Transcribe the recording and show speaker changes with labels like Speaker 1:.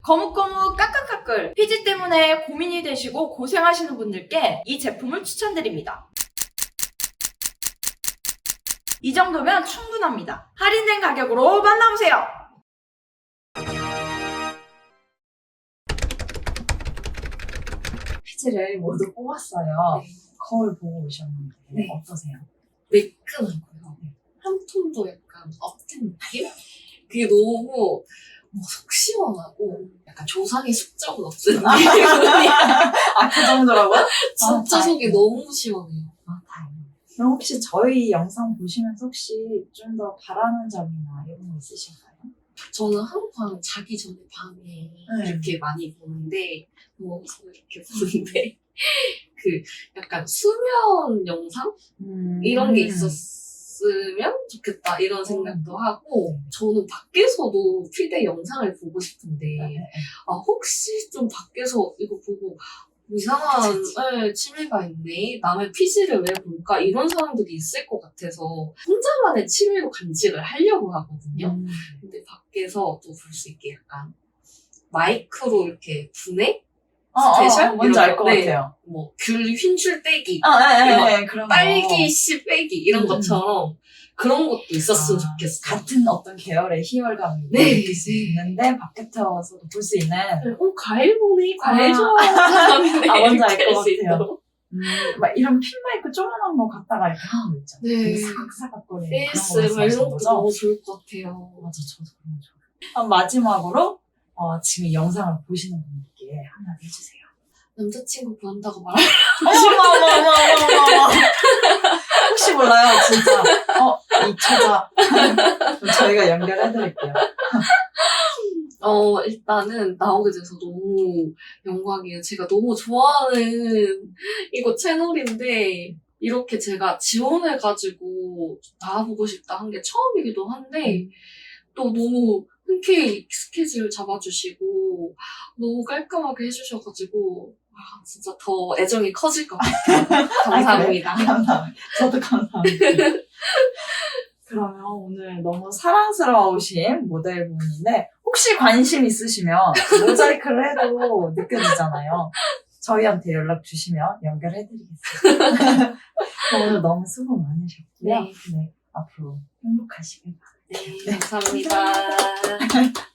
Speaker 1: 거뭇거뭇 까끌까끌 피지 때문에 고민이 되시고 고생하시는 분들께 이 제품을 추천드립니다. 이 정도면 충분합니다. 할인된 가격으로 만나보세요.
Speaker 2: 피지를 모두 뽑았어요.
Speaker 3: 네.
Speaker 2: 거울 보고 오셨는데
Speaker 3: 네.
Speaker 2: 어떠세요?
Speaker 3: 매끈하고요. 한 톤도 약간 업된 느낌? 그게 너무 속 시원하고 약간 조상의 숙적은 없는 느낌이야.
Speaker 2: 아, 그 정도라고요?
Speaker 3: 진짜 속이
Speaker 2: 다행이다.
Speaker 3: 너무 시원해요.
Speaker 2: 아, 다행이다. 그럼 혹시 저희 영상 보시면서 혹시 좀 더 바라는 점이나 이런 거 있으실까요?
Speaker 3: 저는 항상 자기 전에 밤에 이렇게 많이 보는데 누워서 이렇게 보는데 그 약간 수면 영상? 이런 게 있었으면 좋겠다 이런 생각도 하고 저는 밖에서도 필드 영상을 보고 싶은데 혹시 좀 밖에서 이거 보고 이상한 취미가 있네 남의 피지를 왜 볼까 이런 사람들이 있을 것 같아서 혼자만의 취미로 간직을 하려고 하거든요. 근데 밖에서 또 볼 수 있게 약간 마이크로 이렇게 분해? 스페셜?
Speaker 2: 뭔지 알 것
Speaker 3: 네.
Speaker 2: 같아요.
Speaker 3: 뭐 귤 흰줄 빼기
Speaker 2: 그런 거.
Speaker 3: 딸기 씨 빼기 이런 것처럼 그런 것도 있었으면
Speaker 2: 아,
Speaker 3: 좋겠어요.
Speaker 2: 같은 어떤 계열의 희열감을
Speaker 3: 네,
Speaker 2: 느낄 수
Speaker 3: 네.
Speaker 2: 있는데 밖에서도 볼 수 있는
Speaker 3: 과일 보네, 과일
Speaker 2: 아.
Speaker 3: 좋아하는 사람인데
Speaker 2: 뭔지 알
Speaker 3: 이렇게
Speaker 2: 것
Speaker 3: 할수
Speaker 2: 같아요.
Speaker 3: 있도록.
Speaker 2: 막 이런 핀 마이크 조그만한 거 갖다가 이렇게 하는 거 있잖아요.
Speaker 3: 네.
Speaker 2: 되게 사각사각거리는 그런 거
Speaker 3: ASMR 이런
Speaker 2: 말씀하시는
Speaker 3: 것도
Speaker 2: 거죠?
Speaker 3: 너무 좋을 것 같아요.
Speaker 2: 맞아, 저도 그런 거 좋아해요. 마지막으로 지금 영상을 보시는 분들께 한마디 해주세요.
Speaker 3: 남자친구 구한다고 말하면
Speaker 2: 어머. 혹시 몰라요, 진짜. 이 처자. 그럼 저희가 연결해드릴게요.
Speaker 3: 일단은 나오게 돼서 너무 영광이에요. 제가 너무 좋아하는 이거 채널인데 이렇게 제가 지원해가지고 나와보고 싶다 한 게 처음이기도 한데 또 너무 흔쾌히 스케줄 잡아주시고 너무 깔끔하게 해주셔가지고 진짜 더 애정이 커질 것 같아요. 감사합니다.
Speaker 2: 감사합니다. 저도 감사합니다. 그러면 오늘 너무 사랑스러우신 모델분인데 혹시 관심 있으시면 모자이크를 해도 느껴지잖아요. 저희한테 연락 주시면 연결해드리겠습니다. 오늘 너무 수고 많으셨고요.
Speaker 3: 네.
Speaker 2: 네, 앞으로 행복하시길 바랍니다.
Speaker 3: 네, 감사합니다.